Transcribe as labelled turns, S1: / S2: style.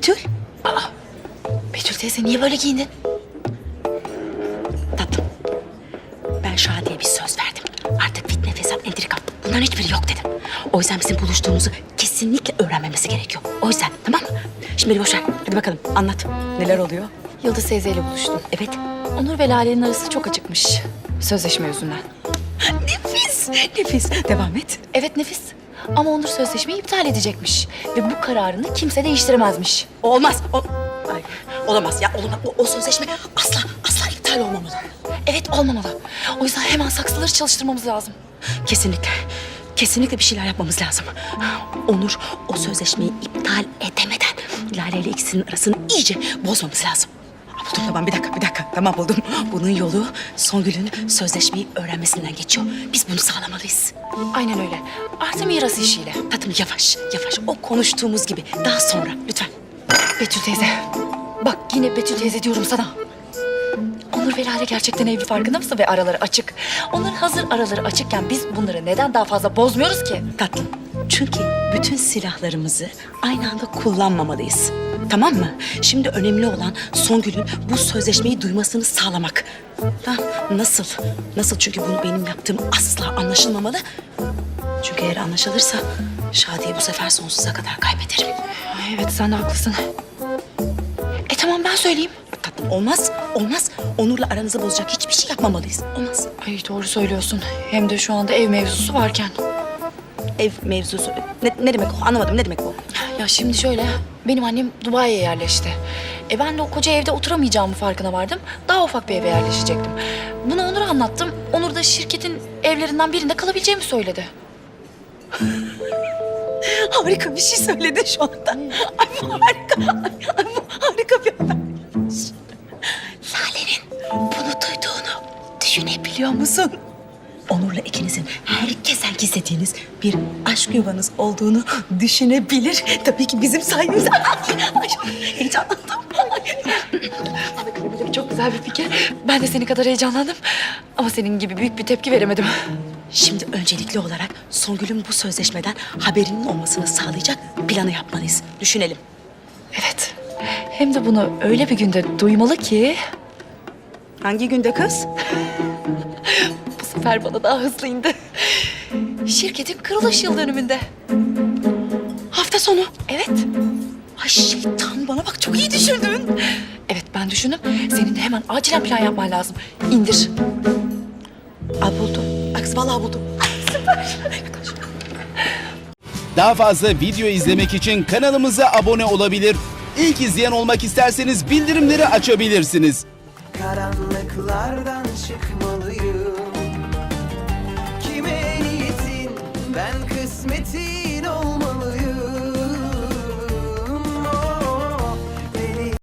S1: Betül? Betül teyze niye böyle giyindin? Tatlım, ben Şadiye'ye bir söz verdim. Artık fitne, fesat, entrika bunların hiçbiri yok dedim. O yüzden bizim buluştuğumuzu kesinlikle öğrenmemesi gerekiyor. O yüzden tamam mı? Şimdi beni boş ver. Hadi bakalım anlat. Neler oluyor?
S2: Yıldız teyzeyle buluştum.
S1: Evet.
S2: Onur ve Lale'nin arası çok acıkmış. Sözleşme yüzünden.
S1: Nefis, nefis. Devam et.
S2: Evet nefis. Ama Onur sözleşmeyi iptal edecekmiş. Ve bu kararını kimse değiştiremezmiş.
S1: Olmaz. Ay, olamaz ya. Olamaz. O sözleşme asla iptal olmamalı.
S2: Evet olmamalı. O yüzden hemen saksıları çalıştırmamız lazım.
S1: Kesinlikle. Kesinlikle bir şeyler yapmamız lazım. Onur o sözleşmeyi iptal edemeden Lale ile ikisinin arasını iyice bozmamız lazım. Buldum tamam bir dakika tamam buldum. Bunun yolu Songül'ün sözleşmeyi öğrenmesinden geçiyor. Biz bunu sağlamalıyız.
S2: Aynen öyle. Artı miras işiyle.
S1: Tatlım yavaş o konuştuğumuz gibi daha sonra lütfen.
S2: Betül teyze. Bak yine Betül teyze diyorum sana. Onur ve Lale gerçekten evli farkında mısın? Ve araları açık. Onların hazır araları açıkken biz bunları neden daha fazla bozmuyoruz ki?
S1: Tatlım çünkü bütün silahlarımızı aynı anda kullanmamalıyız. Tamam mı? Şimdi önemli olan Songül'ün bu sözleşmeyi duymasını sağlamak. Ha, nasıl? Nasıl? Çünkü bunu benim yaptığım asla anlaşılmamalı. Çünkü eğer anlaşılırsa Şadiye bu sefer sonsuza kadar kaybederim.
S2: Evet sen de haklısın. Tamam ben söyleyeyim.
S1: Tatlım olmaz. Onur'la aranızı bozacak hiçbir şey yapmamalıyız. Olmaz.
S2: Ay doğru söylüyorsun. Hem de şu anda ev mevzusu varken.
S1: Ev mevzusu. Ne demek o? Anlamadım. Ne demek bu?
S2: Ya şimdi şöyle, benim annem Dubai'ye yerleşti. Ben de o koca evde oturamayacağımın farkına vardım. Daha ufak bir eve yerleşecektim. Bunu Onur'a anlattım. Onur da şirketin evlerinden birinde kalabileceğimi söyledi.
S1: Harika bir şey söyledi şu anda. Ay bu harika. Ay bu harika bir habermiş. Lale'nin bunu duyduğunu düşünebiliyor musun? Onur'la ikinizin herkesten gizlediğiniz bir aşk yuvanız olduğunu düşünebilir. Tabii ki bizim sayemizde. Ay, heyecanlandım.
S2: Çok güzel bir fikir. Ben de senin kadar heyecanlandım. Ama senin gibi büyük bir tepki veremedim.
S1: Şimdi öncelikli olarak Songül'ün bu sözleşmeden haberinin olmasını sağlayacak planı yapmalıyız. Düşünelim.
S2: Evet. Hem de bunu öyle bir günde duymalı ki...
S1: Hangi günde kız?
S2: Bu sefer bana daha hızlı indi. Şirketin kuruluş yıl dönümünde.
S1: Hafta sonu.
S2: Evet.
S1: Ay şeytan bana bak çok iyi düşündün.
S2: Evet ben düşündüm. Senin de hemen acilen plan yapman lazım. İndir.
S1: Buldum. Bak vallahi buldum.
S3: Daha fazla video izlemek için kanalımıza abone olabilir. İlk izleyen olmak isterseniz bildirimleri açabilirsiniz.
S4: Karanlıklardan çıkmalı